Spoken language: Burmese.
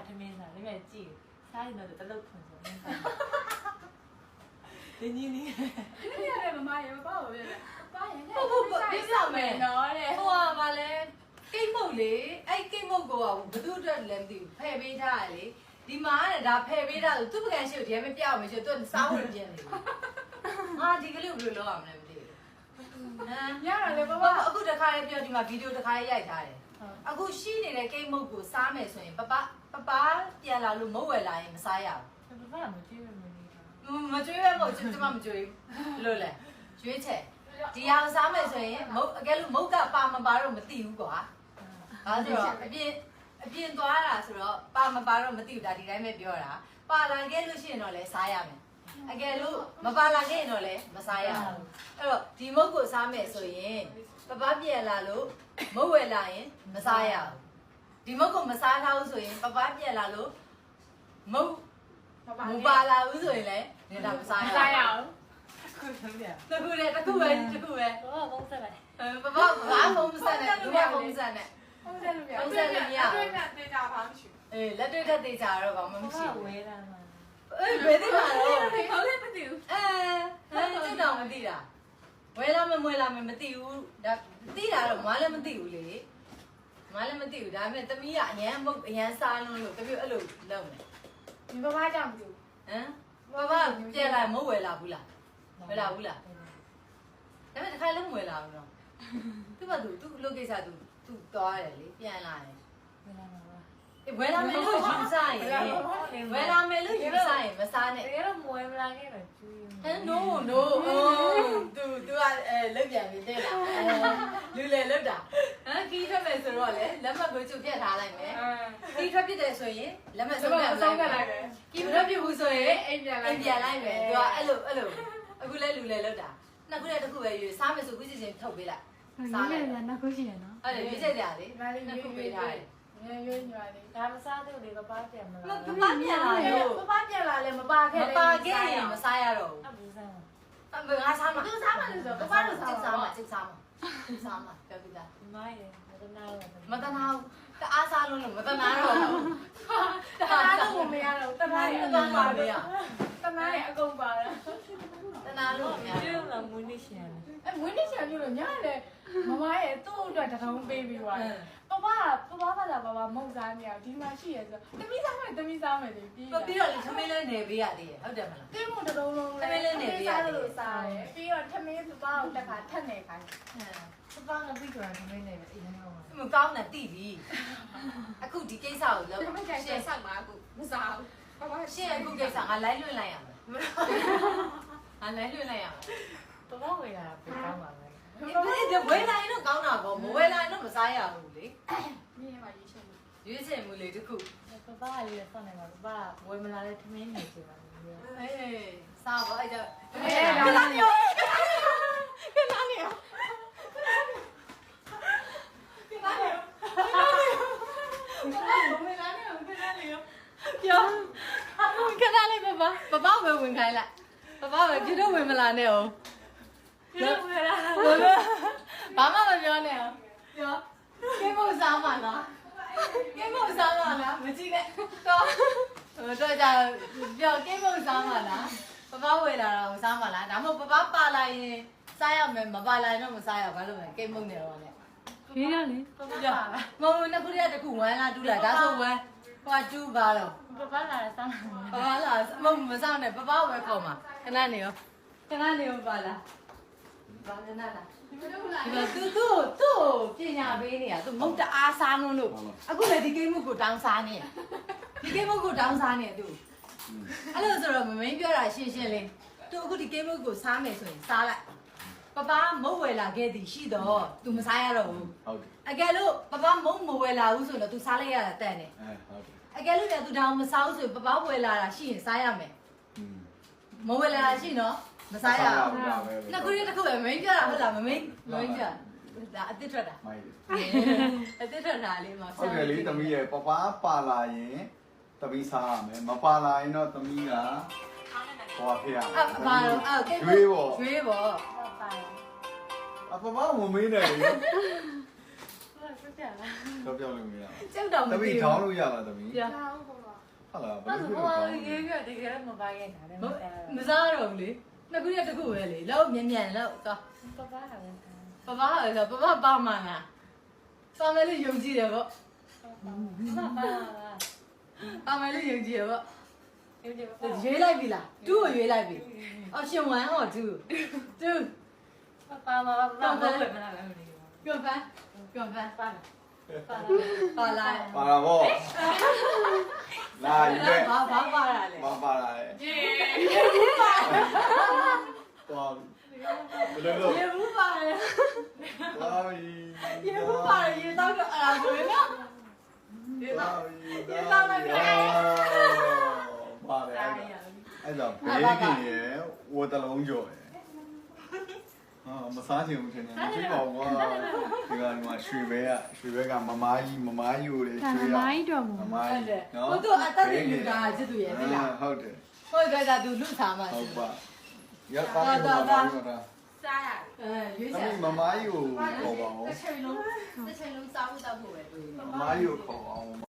ထမင်းစားလေးပဲကြည့်စားရင်တော့တလုတ်ခွန်ဆိုနေနေနေရတယ်မမရေမပေါ့ဘူးလေပါရင်လည်းဟုတ်ပြဆောင်မယ်နော်တဲ့ဟိုကဗာလဲကိတ်မုတ်လေအဲ့ကိတ်မုတ်ကိုဘသူအတွက်လည်းမသိဘူးဖယ်ပေးထားရလေဒီမှာကဒါဖယ်ပေးထားသူပကံရှိကိုဒီမှာပြအောင်မရှိသူစားဝင်ပြင်းနေဟာဒီကလေးဘယ်လိုလုပ်အောင်လဲမသိဘူးဟမ်ရတာလေပပအခုတခါလေးပြောဒီမှာဗီဒီယိုတခါလေးရိုက်ထားတယ်အခုရှိနေတဲ့ကိတ်မုတ်ကိုစားမယ်ဆိုရင်ပပပြန်လာလို့မဟုတ်ဝယ်လာရင်မစားရဘူးဘာမှမကြည့်ရမနေတာမကြွေးပဲမဟုတ်ကျွန်မမကြွေးဘူးလို့လဲကျွေးချက်ဒီအောင်စားမယ်ဆိုရင်မုတ်အကယ်လို့မုတ်ကပါမပါတော့မသိဘူးကွာဒါဆိုတော့အပြင်သွားတာဆိုတော့ပါမပါတော့မသိဘူးဒါဒီတိုင်းပဲပြောတာပါလာခဲ့လို့ရှိရင်တော့လဲစားရမယ်အကယ်လို့မပါလာခဲ့ရင်တော့လဲမစားရဘူးအဲ့တော့ဒီမုတ်ကိုစားမယ်ဆိုရင်ပပပြန်လာလို့မုတ်ဝယ်လာရင်မစားရဘူးဒီမုတ်ကိုမစားထားဘူးဆိုရင်ပပပြန်လာလို့မုတ်မပါလာဘူးဆိုရင်လည်းနေတာမစားရစားရအောင်ခုဆုံးပြတခုပဲဘာပုံစံပဲပပဘာဖုံးစက်နဲ့ဒုရဖုံးစက်နဲ့ဟုတ်တယ်လို့ပြောတွေ့နဲ့တေချာပါမရှိအေးလက်တွေ့တက်သေးကြတော့ဘာမှမရှိဘာဘူးဝဲတာမှာအေးဘယ်သိမှာလဲဘူးเขาလည်းမသိဘူးဟမ်စစ်တောင်မသိတာဝဲလာမမွေလာမမသိဘူးဒါသိတာတော့မလည်းမသိဘူးလေမလည်းမသိဘူးဒါပေမဲ့တမီးကအရန်မုတ်အရန်စားလုံးလို့တမီးအဲ့လိုလုပ်မယ်ဒီပပကြောင့်မသိဘူးဟမ်ပပပြန်လာမဟုတ်ဝယ်လာဘူးလားဝယ်လာဘူးလားဒါပေမဲ့တစ်ခါလုံးဝယ်လာဘူးနော်သူ့ဘာသူ့လုပ်ကိစ္စသူသွားတယ်လေပြန်လာတယ်ဝင်လာမှာပါဝယ်လာမယ်လို့ယူစားရင်ဝယ်လာမယ်လို့ယူစားရင်မစားနဲ့တကယ်တော့မွေးမလာခဲ့တော့ကျွေးဟမ် no သူကလက်ပြန်ပြီးတဲ့လားလူလေလွတ်တာဟမ်ကီးထွက်မယ်ဆိုတော့လေလက်မှတ်ကိုချုပ်ပြတ်ထားလိုက်မယ်ကီးထွက်ပြစ်တယ်ဆိုရင်လက်မှတ်ဆုံးကလိုက်မယ်ကီးမထွက်ပြဘူးဆိုရင်အိမ်ပြန်လိုက်မယ်သူကအဲ့လိုအခုလဲလူလေလွတ်တာနှစ်ခုနဲ့တစ်ခုပဲယူစားမယ်ဆိုခုစီစဉ်ထုတ်ပေးလိုက်စားလိုက်နောက်ခုရှိရနော်အဲ့ဒါရွေးချက်ကြလေနှစ်ခုပေးထားတယ်ရွေးညီမလေးဒါမစားသေးဘူးလေပပပြန်မလားပပပြန်လာလို့ပပပြန်လာလဲမပါခဲ့မပါခဲ့ရင်မစားရတော့ဘူးအဘူးစားမှာငါစားမှာသူစားမှလို့ဆိုပပတို့စားစားမှာမှာစားမှာပြောပြတာမိုင်းတယ်မတနာတော့မတနာဘူးတအားစားလို့မတနာတော့ဘူးတနာလို့မရတော့တနာရဲ့အကုန်ပါလေတနာရဲ့အကုန်ပါလားတနာလို့မရကျွေးလာမွေးနေရှင်ဝင်းနေချင်ပြီလို့ညလေမမရဲ့သူ့အတွက်တထောင်ပေးပြီးသွားတယ်ပပဘာသာပပမုံစားနေအောင်ဒီမှာရှိရဆိုတမိစားမယ်လေပြီးပြီးတော့လေသမီးလေးနေပေးရသေးတယ်ဟုတ်တယ်မလားတင်းမတစ်လုံးလုံးလဲစားလို့စားတယ်ပြီးတော့ထမင်းပပကိုတက်ခါထက်နေခိုင်းပပကပြီးတော့သမီးနေပဲအရင်ကမကောင်းတာတိပြီအခုဒီကိစ္စကိုလုပ်တမန်ကျန်ဆက်မှာအခုမစားဘူးပပရှင်းအခုကိစ္စငါလိုက်လွှင့်လိုက်ရမယ်ငါလိုက်လွှင့်လိုက်ရမယ်ပပဝေးလာပြန်ကောင်းပါပဲဒီဝယ်လိုက်တော့ကောင်းတာပေါ့မဝယ်လိုက်တော့မစားရဘူးလေမြင်ပါရေးချင်ဘူးရွေးချယ်မှုလေတခုပပကလေးဆောင်းနေမှာပပဝေးမလာတဲ့ထမင်းနေချင်ပါဘူးအေးစားပါအဲ့ဒါဒါလာမျိုးပြောခဏလေးပပပဲဝင်ခိုင်းလိုက်ပပပဲပြတော့ဝင်မလာနဲ့အောင်ပြောဝေးလာဘာမှမပြောနဲ့အောင်ပြောကိမို့စားမှာလားကိမို့စားမှာလားမကြည့်နဲ့တော့ကြပြောကိမို့စားမှာလားပပဝယ်လာတော့စားမှာလားဒါမှမဟုတ်ပပပါလာရင်စားရမယ်မပါလာရင်တော့မစားရဘာလို့လဲကိမို့နေတော့လေရေးရလေပပပြောမဟုတ်နှစ်ခုတည်းတစ်ခုဝမ်းလားတူးလားဒါဆိုဝမ်းဟိုတူးပါတော့ပပလာဆောင်းပပလာမစားနဲ့ပပဝယ်ခေါ်မှာခဏနေရောပါလားဘာလဲနာလားသူပညာပေးနေတာသူမုတ်တအားစားနှုံးလို့အခုလည်းဒီကိမှုကိုတောင်းစားနေဒီကိမှုကိုတောင်းစားနေသူအဲ့လိုဆိုတော့မမင်းပြောတာရှင်းလေးသူအခုဒီကိမှုကိုစားမယ်ဆိုရင်စားလိုက်ပပမုတ်ဝယ်လာခဲ့သည်ရှိတော့ तू မစားရတော့ဘူးဟုတ်တယ်အကယ်လို့ပပမုတ်မဝယ်လာဘူးဆိုတော့ तू စားလိုက်ရတာတန်တယ်ဟုတ်တယ်အကယ်လို့လည်း तू တောင်မစားဘူးဆိုရင်ပပဝယ်လာတာရှိရင်စားရမယ်မဝယ်လာတာရှိနော်မစားရဘူးနှစ်ခုတည်းတစ်ခုပဲမင်းပြောတာဟုတ်လားမင်းပြောဒါအစ်စ်ထွက်တာမိုက်တယ်အစ်စ်ထွက်တာလေးမှာဟုတ်တယ်လေသမီးရဲ့ပပပါလာရင်သမီးစားရမယ်မပါလာရင်တော့သမီးကဟောဖေးရမယ်ဘာလို့ကဲကျွေးပေါ့ကျွေးပေါ့ပပအပပဝင်မင်းတယ်လေပပြလားတော့ပြောလို့မရကျုပ်တော့မဘူးသမီးသိထောင်းဘူးလို့ရလားသမီးပြဟောဟုတ်ပါဟုတ်လားဘယ်အဲ့လိုဆိုဖြစ်ဟိုလို့ကောင်းရေးပြတကယ်မပါခဲ့တာလေမစားတော့ဘူးလေနှစ်ခုရက်တစ်ခုပဲလေလောက်မြန်မြန်လောက်သွားပပဟာလည်းပပဟာဆိုပပပါမှန်းလားပါမယ်လို့ယုံကြည်တယ်ပေါ့ပပပါမယ်လို့ယုံကြည်တယ်ပေါ့ဒီဒီပပရွေးလိုက်ပြီလား2ကိုရွေးလိုက်ပြီအော်ရှင်1ဟော2 ပပမဟုတ်ပဲမလားမသိဘူးပြောပန်းပြောပန်းပါလားပါပါလားလာပါလာဗောလာယူတဲ့ဘာပါလာလဲမပါလာရဲ့ဒီသွားဘယ်လိုလုပ်ရေဘူးပါတယ်သွားပြီရေဘူးပါတယ်ရေတော့အဲ့ဒါဆိုရင်နော်သွားပြီသွားလိုက်ပြီပါတယ်အဲ့ဒါဘေးကင်ရဲ့ဝတ်တလုံးကြော်ရဲ့ဟာမစားချင်ဘူးထင်တယ်မကြည့်ပါဘူးကွာဒီကရွှေဘဲကမမားကြီးကိုလေရွှေရမမားကြီးတော့မမားဟုတ်ကြီးတယ်နော်ဟိုတော့အသက်ကြီးလူတာချစ်သူရဲ့သိလားဟုတ်တယ်ဟိုကကသူလူစားမှာဟုတ်ပါရပါတယ်မမားကြီးတော့စားရရွေးတစားမီးမမားကြီးကိုခေါ်ပါဦးတစ်ချိန်လုံးစားဖို့တောက်ဖို့ပဲတွေ့မမားကြီးကိုခေါ်အောင်